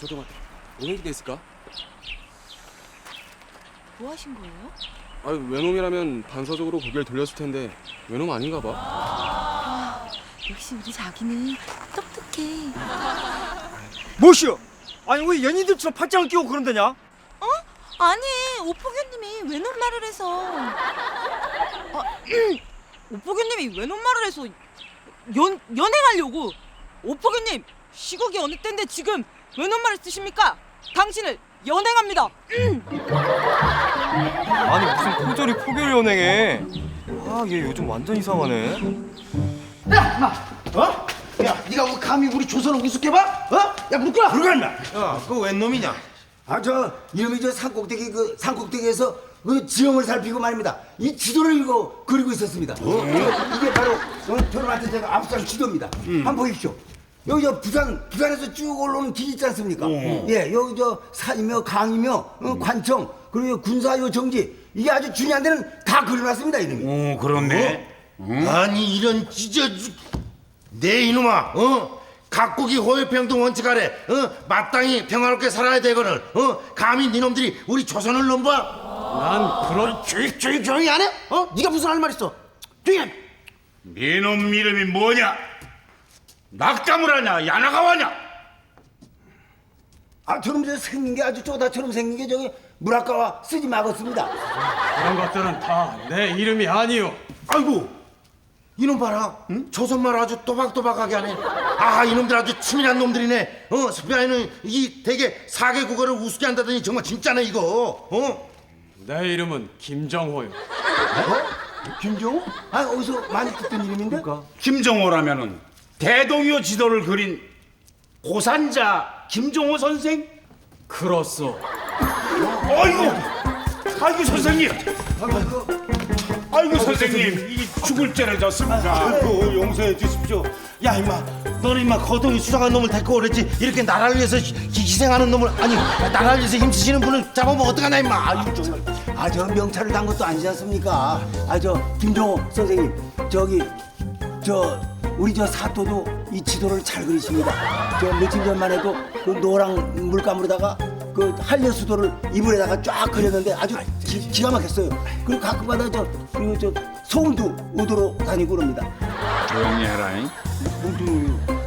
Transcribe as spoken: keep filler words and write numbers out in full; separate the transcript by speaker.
Speaker 1: 잠깐만. 오행기 됐을까?
Speaker 2: 뭐 하신 거예요?
Speaker 1: 아, 외놈이라면 반사적으로 고개를 돌렸을 텐데 외놈 아닌가 봐.
Speaker 2: 아, 역시 우리 자기는 똑똑해.
Speaker 3: 뭐시여? 아니 왜 연인들처럼 팔짱을 끼고 그런다냐?
Speaker 2: 어? 아니, 오포교님이 외놈 말을 해서. 아, 오포교님이 외놈 말을 해서 연, 연행하려고. 오포교님, 시국이 어느 때인데 지금 외놈 말을 쓰십니까? 당신을 연행합니다.
Speaker 3: 아니 무슨 포졸이 포교를 연행해? 아 얘 요즘 완전 이상하네.
Speaker 4: 야, 마, 어? 야, 네가 뭐 감히 우리 조선을 우습게 봐? 어? 야, 물 끓여. 물 끓여, 임마.
Speaker 5: 야, 그거 웬 놈이냐?
Speaker 6: 아, 저 이놈이 저 산꼭대기 그 산꼭대기에서 그 지형을 살피고 말입니다. 이 지도를 이거 그리고 있었습니다. 어? 이게, 이게 바로 어, 저놈한테 제가 압수한 지도입니다. 한번 보십시오. 여기 저 부산 부산에서 쭉 올라오는 길 있지 않습니까? 예, 여기 저 산이며 강이며 어, 관청 그리고 군사요 정지 이게 아주 중요한 데는 다 그려놨습니다 이놈이.
Speaker 5: 오, 그렇네. 아니 이런 찢어 내 이놈아, 어? 각국이 호혜평등 원칙 아래, 어? 마땅히 평화롭게 살아야 되거늘, 어? 감히 니놈들이 우리 조선을 넘봐?
Speaker 1: 난 그런
Speaker 4: 조용, 조용, 조용히 안 해? 어? 네가 무슨 할 말 있어? 조용히 해.
Speaker 7: 네놈 이름이 뭐냐? 낙가무라냐? 야나가와냐?
Speaker 6: 아, 저놈 저 생긴 게 아주 쪼다처럼 생긴 게 저기 물아까와 쓰지 마겠습니다.
Speaker 1: 그런 것들은 다 내 이름이 아니오.
Speaker 5: 아이고, 이놈 봐라, 응? 조선말 아주 또박또박하게 하네. 아, 이놈들 아주 치밀한 놈들이네. 어, 스페인은 이 되게 사개 국어를 우습게 한다더니 정말 진짜네 이거. 어?
Speaker 1: 내 이름은 김정호요.
Speaker 6: 어? 김종우? 아, 어디서 많이 듣던 이름인데?
Speaker 7: 김정호라면은 대동요 지도를 그린 고산자 김정호 선생?
Speaker 1: 그렇소.
Speaker 7: 아이고, 아이고 선생님. 아이고 선생님, 이 죽을 죄를 졌습니다.
Speaker 5: 아이고, 용서해 주십시오. 야, 임마, 너는 임마 거동이 수상한 놈을 데리고 오랬지. 이렇게 나라를 위해서 희- 희생하는 놈을, 아니 나라를 위해서 힘쓰시는 분을 잡아먹으면 어떡하나 임마. 아유, 정말.
Speaker 6: 아, 저 명찰을 단 것도 아니지 않습니까? 아, 저 김종호 선생님, 저기 저 우리 저 사토도 이 지도를 잘 그리십니다. 저 며칠 전만 해도 그 노랑 물감으로다가 그 한려수도를 이불에다가 쫙 그렸는데 아주 기, 기가 막혔어요. 그리고 가끔마다 저 그리고 저 소음도 우도로 다니고 그럽니다.
Speaker 7: 조용히 해라잉.
Speaker 6: 모두